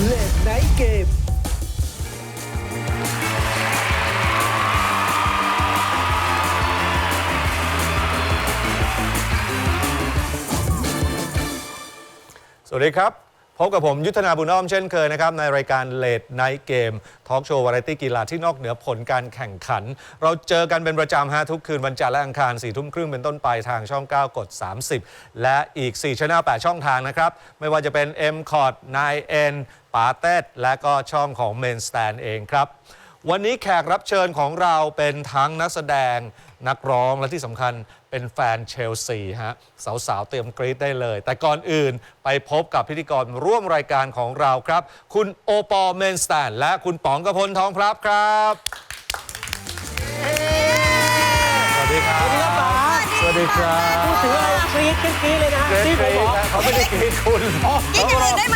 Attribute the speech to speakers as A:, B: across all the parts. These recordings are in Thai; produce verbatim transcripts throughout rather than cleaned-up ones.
A: เลดไนท์เกม
B: สวัสดีครับพบกับผมยุทธนาบุญอ้อมเช่นเคยนะครับในรายการเลดไนท์เกมทอล์กโชว์วาไรตี้กีฬาที่นอกเหนือผลการแข่งขันเราเจอกันเป็นประจำฮะทุกคืนวันจันทร์และอังคารสี่ทุ่มครึ่งเป็นต้นไปทางช่องเก้ากดสามสิบและอีกสี่ช่องแปดช่องทางนะครับไม่ว่าจะเป็น เอ็ม คอร์ด ไนน์ เอ็น ปาเต็ดและก็ช่องของ Main Stand เองครับวันนี้แขกรับเชิญของเราเป็นทั้งนักแสดงนักร้องและที่สำคัญเป็นแฟนเชลซีฮะสาวๆเตรียมกรี๊ดได้เลยแต่ก่อนอื่นไปพบกับพิธีกรร่วมรายการของเราครับคุณโอปอล์ เมนสแตนและคุณป๋องกพลทองพลับครับสวัสดีครับสวัสดีครับ
A: พูดถึงอะไรกรี๊ดกรี๊ดเลยนะ
B: กรี๊ดกรี๊ดเขาไม่ได้กรี๊ดคุณ
C: กรี๊ดอย่างอื่นได้ไหม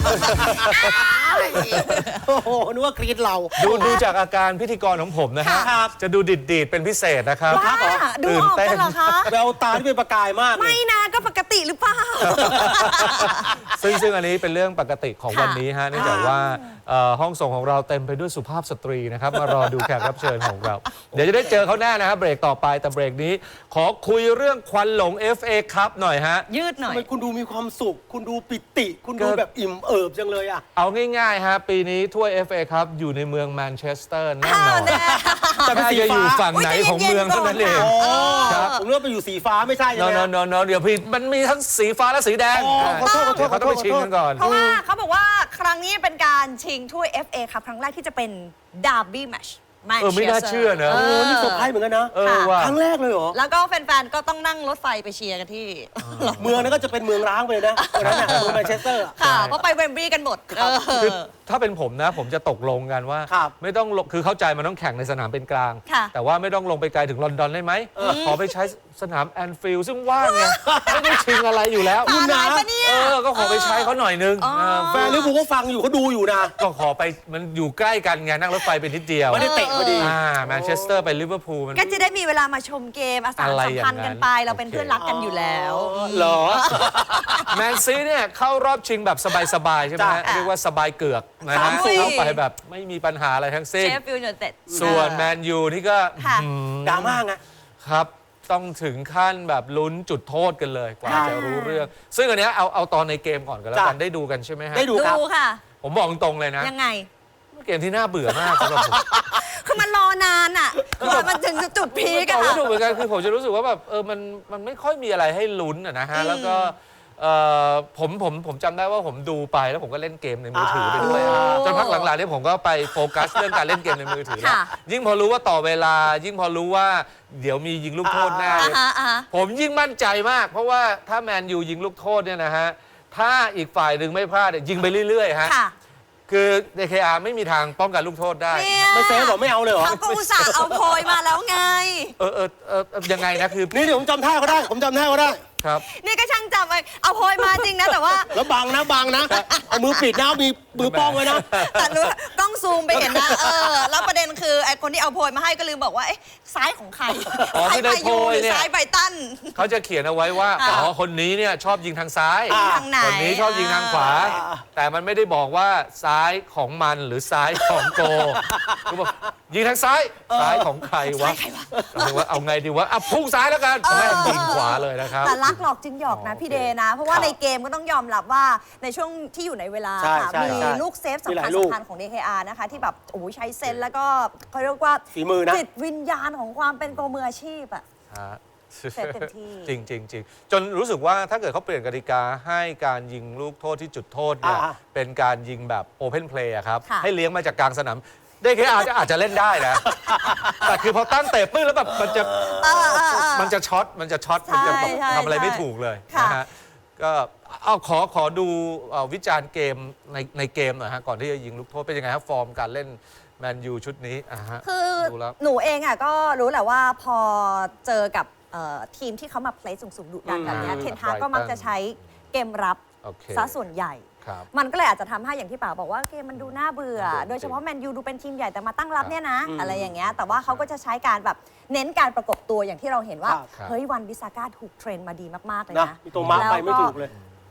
A: โอ้โหนึกว่ากรี๊ดเรา
B: ดูดูจากอาการพิธีกรของผมนะฮะจะดูดิดดีดเป็นพิเศษนะครับ
C: ดูออกกันเหรอคะ
A: แววตาที่เป็นประกายมาก
C: ไม่นะก็ปกติหรือเปล่า
B: ซึ่งซึ่งอันนี้เป็นเรื่องปกติของวันนี้ฮะเนื่องจากว่าห้องส่งของเราเต็มไปด้วยสุภาพสตรีนะครับมารอดูแขกรับเชิญของเราเดี๋ยวจะได้เจอเขาแน่นะครับเบรกต่อไปแต่เบรกนี้ขอคุยเรื่องควันหลง เอฟ เอ Cup หน่อยฮะ
C: ยืดหน่อย
A: ทำไมคุณดูมีความสุขคุณดูปิติคุณดูแบบอิ่มเอิบจังเลยอ่ะ
B: เอาง่ายๆฮะปีนี้ถ้วย เอฟ เอ Cup อยู่ในเมืองแมนเชสเตอร์แน่นอน
A: แต่เป็นสีฟ้า
B: อยู่ฝั่งไหนของเมืองเท่านั้นเอง
A: ครับผมเลือกไปอยู่สีฟ้าไม่ใช่ใช่ไหม
B: นอนนอนเดี๋ยวพี่มันมีทั้งสีฟ้าและสีแดง
A: ขอโทษขอโทษ
B: เขาต้องไปชิงกันก่อน
C: เพราะว่าเขาบอกว่าครั้งนี้เป็นการชิงถ้วย เอฟ เอ ครับครั้งแรกที่จะเป็นดาร์บี้แมตช์
B: เออไม่น่าเชื่อนะ
A: โอ้นี่เซอร์ไพรส์เหมือนกันนะครั้งแรกเลยเหรอ
C: แล้วก็แฟนๆก็ต้องนั่งรถไฟไปเชียร์กันที่
A: เมืองนั้นก็จะเป็นเมืองร้างไปเลยนะตอนนั้นน่ะเมืองแมนเชสเตอร์
C: ค่ะเพราะไปเวมบลีย์กันหมด
B: คือถ้าเป็นผมนะผมจะตกลงกันว่าไม่ต้องคือเข้าใจมันต้องแข่งในสนามเป็นกลางแต่ว่าไม่ต้องลงไปไกลถึงลอนดอนได้ไหมขอไปใช้สนามแอนฟิลด์ซึ่งว่างไงไม่ได้ชิงอะไรอยู่แล้ว
C: คุณนะ
B: เออก็ขอไปใช้เขาหน่อยนึง
A: แฟนลิเวอร์พูลก็ฟังอยู่เขาดูอยู่นะ
B: ก็ขอไปมันอยู่ใกล้กันไงนั่งรถไฟไปนิดเดียว
A: ไม่ได้เตะพอดี
B: อ่าแมนเชสเตอร์ไปลิเวอร์พูล
C: ก็จะได้มีเวลามาชมเกมอาสาสัมพันธ์กันไปเราเป็นเพื่อนรักกันอยู่แล้ว
B: เหรอแมนซีเนี่ยเข้ารอบชิงแบบสบายๆใช่ไหมเรียกว่าสบายเกือกนะฮะเข้าไปแบบไม่มีปัญหาอะไรทั้งสิ้นส่วนแมนยูนี่ก็
A: ดราม่าไง
B: ครับต้องถึงขั้นแบบลุ้นจุดโทษกันเลยกว่าจะรู้เรื่องซึ่งอันนี้เอาเอาตอนในเกมก่อนกันแล้วกันได้ดูกันใช่ไหมฮะ
A: ได้ดูครับ
C: ค่ะ
B: ผมบอกตรงเลยนะ
C: ยังไง
B: เกมที่น่าเบื่อมากสำหรับผม
C: คือมันรอนานอ่ะกว่ามันถึงจุดพีคอะ
B: ค่ะไม่ถูกเหมือนกันคือผมจะรู้สึกว่าแบบเออมันมันไม่ค่อยมีอะไรให้ลุ้นอะนะฮะแล้วก็ผมผมผมจำได้ว่าผมดูไปแล้วผมก็เล่นเกมในมือถือไปด้วยจนพักหลังๆนี่ผมก็ไปโฟกัสเรื่องการเล่นเกมในมือถือแล้วยิ่งพอรู้ว่าต่อเวลายิ่งพอรู้ว่าเดี๋ยวมียิงลูกโทษแน่ผมยิ่งมั่นใจมากเพราะว่าถ้าแมนยูยิงลูกโทษเนี่ยนะฮะถ้าอีกฝ่ายหนึ่งไม่พลาดยิงไปเรื่อยๆฮะคือ ดี เค อาร์ ไม่มีทางป้องกันลูกโทษได้
A: ไม่เซฟหรอไม่เอาเลยเหรอ
C: เขาก็อุตส่าห์เอาโพยมาแล้วไง
B: เออเออเออยังไงนะคือ
A: นี่เดี๋ยวผมจำท่าเขาได้ผมจำท่าเขาได้
B: ครับ
C: นี่ก็ช่างจำไปเอาโพยมาจริงนะแต่ว่า
A: แล้วบังนะบังนะเอามือปิดนะมีมือป้องไว้นะ
C: แต่รู้กล้องซูมไปเห็นนะเออแล้วประเด็นคือไอ้คนที่เอาโพยมาให้ก็ลืมบอกว่าเอ๊ะซ้ายของใคร
B: อ๋อไม่ได้โพยเนี่ย
C: ซ้ายไบตัน
B: เขาจะเขียนเอาไว้ว่าอ๋อคนนี้เนี่ยชอบยิงทางซ้ายคนนี้ชอบยิงทางขวาแต่มันไม่ได้บอกว่าซ้ายของมันหรือซ้ายของโกก็บอกยิงทางซ้ายซ้ายของใครวะว่าเอาไงดีวะอ่ะพุ่งซ้ายแล้วกันไม่ยิงขวาเลยนะครับ
C: แต่รักหลอกจึงหยอกนะพี่เดนะเพราะว่าในเกมก็ต้องยอมรับว่าในช่วงที่อยู่ในเวลามีลูกเซฟสำคัญสำคัญของ ดี เค อาร์ นะคะที่แบบโอ้ใช้เซนแล้วก็เขาเรียกว่าจิตวิญญาณของความเป็นโกมืออาชีพอะเซฟเต็มที่
B: จริงจริงจริงจนรู้สึกว่าถ้าเกิดเขาเปลี่ยนกติกาให้การยิงลูกโทษที่จุดโทษเนี่ยเป็นการยิงแบบโอเพนเพลย์ครับให้เลี้ยงมาจากกลางสนามดี เค อาร์ อาจจะเล่นได้นะแต่คือพอตั้งเตะปื้นแล้วแบบมันจะมันจะช็อตมันจะช็อตมันจะทำอะไรไม่ถูกเลยนะฮะก็เอาขอขอดูวิจารณ์เกมในในเกมหน่อยฮะก่อนที่จะยิงลูกโทษเป็นยังไงครับฟอร์มการเล่นแมนยูชุดนี้อ่ะฮะ
C: คือหนูเองอ่ะก็รู้แหละว่าพอเจอกับทีมที่เขามาเพลย์สูงๆดุดันแบบนี้เทนฮากก็มักจะใช้เกมรับซะส่วนใหญ่มันก็เลยอาจจะทำให้อย่างที่ป๋าบอกว่าเกมมันดูน่าเบื่อโดยเฉพาะแมนยูดูเป็นทีมใหญ่แต่มาตั้งรับเนี่ยนะอะไรอย่างเงี้ยแต่ว่าเขาก็จะใช้การแบบเน้นการประกบตัวอย่างที่เราเห็นว่าเฮ้ยวันบิซาก้าถูกเทรนมาดีมากๆเลยนะ
A: ตัวมาไปไม่ถูกเลย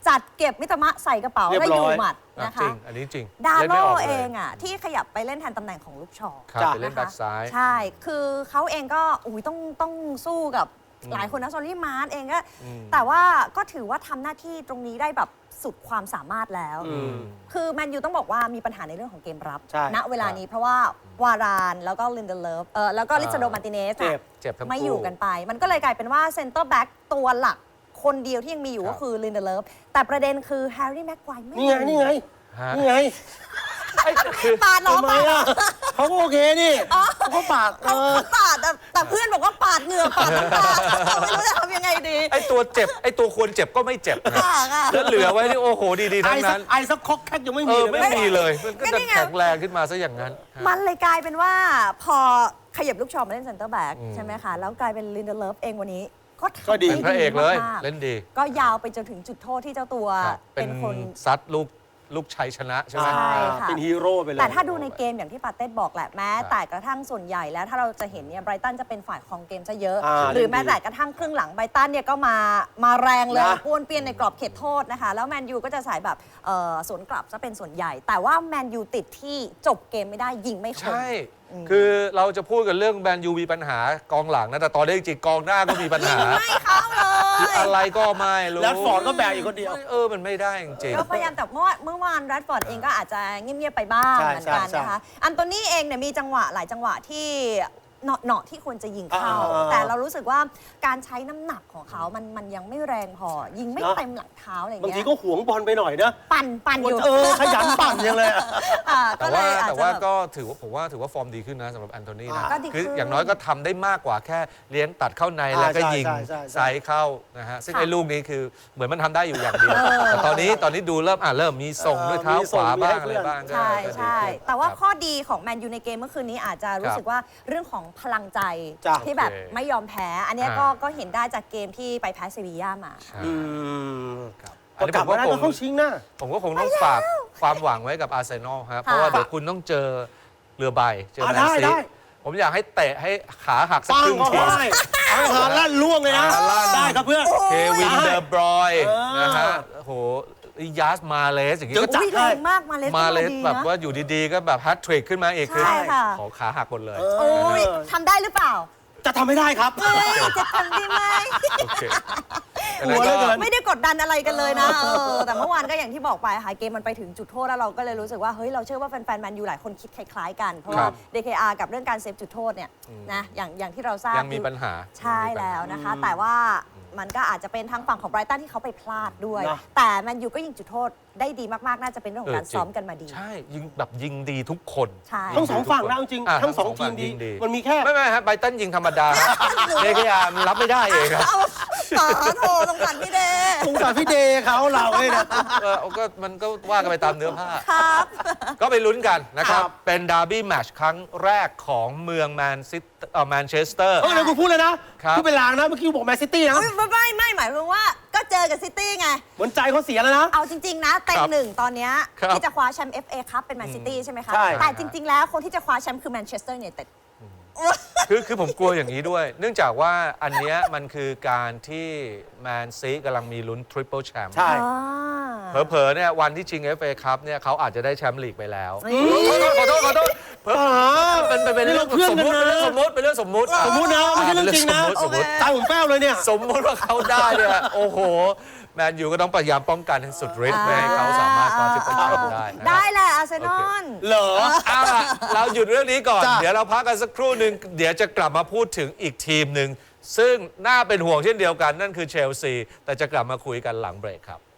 C: จัดเก็บมิตรมะใส่กระเป๋า
A: เรียบ
C: ได้
A: ร้
C: อ
A: อย
C: ยู่หมัด
B: อ่ะ
C: นะ
B: จริ
C: คะ
B: งอันนี้จริง
C: ดา
B: เล่น
C: โล
B: ไม่ออกลย
C: เองอ่ะที่ขยับไปเล่นแทนตำแหน่งของลูกชอ
B: ครับ
A: จ้ะ
B: ไปเล่นแบ็คซ้าย
C: ใช่ คือเขาเองก็อุ้ยต้องต้องสู้กับหลายคนนะซอรี่มาร์เองก็
B: อืม
C: แต่ว่าก็ถือว่าทำหน้าที่ตรงนี้ได้แบบสุดความสามารถแล้ว
A: อืม
C: คือแมนยูต้องบอกว่ามีปัญหาในเรื่องของเกมรับ
A: ใช่
C: ณเวลานี้เพราะว่าวารานแล้วก็ลินเดเลฟเออแล้วก็ลิซาโดมาร์ติเนส
A: เจ็บ
B: เจ็บทั้งคู่
C: ไม่อยู่กันไป มันก็เลยกลายเป็นว่าเซนเตอร์แบ็กตัวหลักคนเดียวที่ยังมีอยู่
B: ครับ
C: ก็คือลินเดเลฟแต่ประเด็นคือแฮร์รี่แม็กไกวร์ไม่
A: นี่ไง นี่ไง
B: ฮะ
A: นี่ไง
B: ไอ้คือ
C: ปาดน้อง
A: ทำไม
C: ปาด
A: อ่ะเขาก็โอเคนี่เขาก็ปากเอ
C: เขา
A: อ
C: เขาปาดแต่แต่เพื่อนบอกว่าปาดเหงื่อปาดน้ำตาไม่รู้จะทำยังไงดี
B: ไอ้ตัวเจ็บไอ้ตัวควรเจ็บก็ไม่เจ็บนะ
C: ปากอะ
B: แล้วเหลือไว้นี่โอ้โหดีๆ
A: ไอ
B: ทั้ง
A: สั
B: นั้
A: ก
B: น
A: ไอสักคอกแคกยังไม่
B: เอ
A: มี
B: อ
A: เลย
B: ไม่มีเลย มันก็
C: ก็
B: จะ
C: นี่ไง
B: แข็งแรงขึ้นมาซะอย่างนั้น
C: มันเลยกลายเป็นว่าพอขยับลูกชอมาเล่นเซนเตอร์แบ็ก
B: อืม
C: ใช่ไหมคะ แล้วกลายเป็นลินเดเลฟเองวันนี้ ก็ทำ
A: ก็ดี
B: เป็นพระเอกเลย
C: มากๆ
B: เล่นดี
C: ก็ยาวไปจนถึงจุดโทษที่เจ้าตัว
B: ครับเป็
C: เป็น นคน
B: ซัดลูกลูกชัยชนะใช่ไหม
C: ใช่ค่ะ
A: เป็นฮีโร่ไปเลย
C: แต่ถ้าดูในเกมอย่างที่ปาเต้บอกแหละแม้
B: ครับ
C: แต่กระทั่งส่วนใหญ่แล้วถ้าเราจะเห็นเนี่ยไบรตันจะเป็นฝ่ายของเกมซะเยอะ
A: อ่า
C: หรือ
A: เล่นดี
C: แม้แต่กระทั่งครึ่งหลังไบรตันเนี่ยก็มามาแรงเลย
A: นะ
C: ป้วนเปี้ยนในกรอบเขตโทษนะคะ แล้วแมนยูก็จะสายแบบเอ่อสวนกลับซะเป็นส่วนใหญ่ แต่ว่าแมนยูติดที่จบเกมไม่ได้ยิงไม่คม
B: ใช่ คือเราจะพูดกันเรื่องแมนยูมีปัญหากองหลังนะ แต่ตอนนี้จริงๆกองหน้าก็มีปัญหา
C: ไม่เข้าเล
B: คือย อะไรก็ไม่รู้
A: แรดฟอร์ดก็แบกอยู่คนเดียว
B: เออ มันไม่ได้จริง
C: ก็พยายามแต่เมื่อวานเมื่อวานแรดฟอร์ดเองก็อาจจะเงียบๆไปบ้าง
A: ใช่
C: เหมือนกัน
A: ใช่
C: นะคะ อันโตนี่เองเนี่ยมีจังหวะหลายจังหวะที่เหนาะเนาะที่ควรจะยิงเข้า
A: อ่า
C: แต่เรารู้สึกว่าการใช้น้ำหนักของเขามันมันยังไม่แรงพอ ยิงไม่
A: เนอะ
C: เต็มหลังเท้าอะไร
A: บาง
C: เงี้
A: ที
C: ย
A: ก็หวงบอลไปหน่อยนะ
C: ปั่นปั่นอยู่
A: เออขยันปั่นยังเลยอะ
C: อ่า
B: ๆ แต่
C: ก็เล
B: ว่าย
C: อาจ
B: แต่
C: จะ
B: ว่า
C: แบบ
B: ก็ถือว่าผมว่าถือว่าฟอร์มดีขึ้นนะสำหรับแอนโทนีนะ
A: อ่า
C: ก็ดีขึ้น
B: คืออย่างน้อยก็ทำได้มากกว่าแค่เลี้ยงตัดเข้าใน
A: อ่า
B: แล้วก็
A: ใช่
B: ยิง
A: ใช่ใช่ใช่
B: ไซส์เข้านะฮะซึ่ง
C: ค่ะ
B: ไอ้ลูกนี้คือเหมือนมันทำได้อยู่อย่างเดียว
C: เออ
B: แต่ตอนนี้ตอนนี้ดูเริ่มอ่ะเริ่มมีส่งด้วยเท้า
A: มี
B: ข
A: ส่ง
B: วา
A: มี
B: บ้า
A: ให้
B: งอะไร
A: เพื่อน
B: บ้างก็
C: ใช่
B: ก็ดี
C: ใช่
B: ขึ้น
C: แต่ว่า
B: ครับ
C: ข้อดีของแมนยูในเกมเมื่อคืนนี้อาจจะรู้สึกว่าเรื่องของพลังใจ
A: จ้ะ
C: ที่แบบ
B: โอเค
C: ไม่ยอมแพ้ อันเนี้ยก็
B: อ่า
C: ก็เห็นได้จากเกมที่ไปแพ้เซบีย่ามา
A: อืม
B: ครับอั
A: ก็
B: นนี้
A: ก
B: ผ
A: ลับ
B: ม
A: มา
B: ว่า
A: ได้
B: ผ
A: ก็
B: ม
A: เข้าชิงนะ
B: ผมก็คงต้องฝากความหวังไว้กับอาร์เซนอลครับเพราะว่าเดี๋ยวคุณต้องเจอเรือใบเจอ
A: อ่ะ
B: แมน
A: ได้
B: ซี
A: ได้
B: ผมอยากให้เตะให้ขาหักสัก
A: ปั
B: ค
A: ง
B: รึ่ง
A: ก็
B: ที
A: ได้เอาให้หาลั่นล่วงเลยนะ
B: หาลั่น
A: ได้ครับเพื่อน
B: เควินเดอร์บรอยน์
A: เออ
B: นะฮะโอ้โหยาสมาเลสอย่างนี้
A: เดี๋
B: ก็
A: ยวจัด
C: อุ้ยแรงมากมาเลส
B: มาเลส
C: ดี
B: แบบ
C: นะ
B: ว่าอยู่ดีๆ ก็แบบแฮตทริกขึ้นมาอีกคือ
C: ใช่ค่ะ
B: ขอขาหักหมดเลย
A: เออ
C: โอ้ยทำได้หรือเปล่า
A: จะทำไม่ได้ครับ
C: เฮ้ยจะทำได้ไหม
B: โอเค
A: หัวเหลือเกิน
C: ไม่ได้กดดันอะไรกันเลยนะเออแต่เมื่อวานก็อย่างที่บอกไปค่ะเกมมันไปถึงจุดโทษแล้วเราก็เลยรู้สึกว่าเฮ้ยเราเชื่อว่าแฟนๆแมนยูหลายคนคิดคล้ายๆกัน เพราะว่า
B: ครับ
C: ดี เค อาร์ กับเรื่องการเซฟจุดโทษเนี่ยนะอย่างอย่างที่เราทราบ
B: ยังมีปัญหา
C: ใช่แล้วนะคะ แต่ว่ามันก็อาจจะเป็นทางฝั่งของไบรตันที่เขาไปพลาดด้วย
A: นะ
C: แต่แมนยูก็ยิงจุดโทษได้ดีมากๆน่าจะเป็นเรื่องของการ
B: เออจริง
C: ซ้อมกันมาดี
B: ใช่ยิงแบบยิงดีทุกคน
C: ใช่
A: ทั้งสองฝั่งนะเอาจริง
B: อ่ะ
A: ทั้งสอง
B: ทั้
A: ที
B: งสอง
A: มดี
B: ฝั่งยิงดี
A: มันมีแค่
B: ไม่ไม่ฮะไบรตันยิงธรรมดาเดกยามันรับไม่ได้เองครับ
C: เอาต่อโทรสงสารพี่เดย์
A: สงสารพี่เดย์เขาเราเลยนะ
B: เออก็มันก็ว่ากันไปตามเนื้อผ้า
C: ครับ
B: ก็ไปลุ้นกันนะครับ
A: ครับ
B: เป็นดาร์บี้แมตช์ครั้งแรกของเมืองแมนซิตเอ่อแมนเชสเตอร์
A: เออเดี๋ยวกูพูดเลยนะครับ พูดเป็นลางนะเมื่อกี้กูบอกแมนซิตี้นะ
C: อุ๊ยไม่ไม่ไม่หมายความว่าก็เจอกับซิตี้ไง
A: เหมือนใจเขาเสียแล้วนะ
C: เอาจริง ๆ นะเต็ง
B: ครับ
C: หนึ่งตอนเนี้ย
B: ครับ
C: ที่จะคว้าแชมป์ เอฟ เอ ครับเป็นแมนซิตี้ใช่ไหมคะ
A: ใช่
C: แต่จริง ๆ แล้วคนที่จะคว้าแชมป์คือแมนเชสเตอร์ยูไนเต็ด
B: คือคือผมกลัวอย่างนี้ด้วย เนื่องจากว่าอันเนี้ยมันคือการที่แมนซีกำลังมีลุ้นทริปเปิลแชมป์
A: ใช่
B: เผลอๆเนี่ยวันที่ชิง เอฟ เอ ครับเนี่ยเขาอาจจะได้แชมป์ลีกไปแล้ว
C: อืม
B: ขอโทษขอโทษขอโทษเผลอ
A: อ่า
B: เป็นเป็นเป็นเรื่อง
A: เพื่อน
B: สม
A: กัน
B: มติ
A: นะ
B: เป็นเรื่องสมมติเป็นเรื่องสมมติ
A: สมมุตินะไม่ใช่เรื่องจริงนะ
B: สมมติสมมติ
A: ใจผมแป้วเลยเนี่ย
B: สมมติว่าเขาได้เนี่ยโอ้โห แมนยูก็ต้องพยายามป้องกันให้สุดฤทธิ์ไม่ให้เขาสามารถคว้าทริปเปิลแชมป์ได้นะครับ
C: ได้แหละอาร์เซนอล
A: เหรอ
B: เอาล่ะเราหยุดเรื่องนี้ก่อน
A: จ้ะ
B: เดี๋ยวเราพักกันสักครู่หนึ่งเดี๋ยวจะกลับมาพูดถึงอีกทีมหนึ่งซึ่งน่าเป็นห่วงเช่นเดียวกันนั่นคือเชลซีแต่จะกลับมาคุยกันหลังเบรกครับ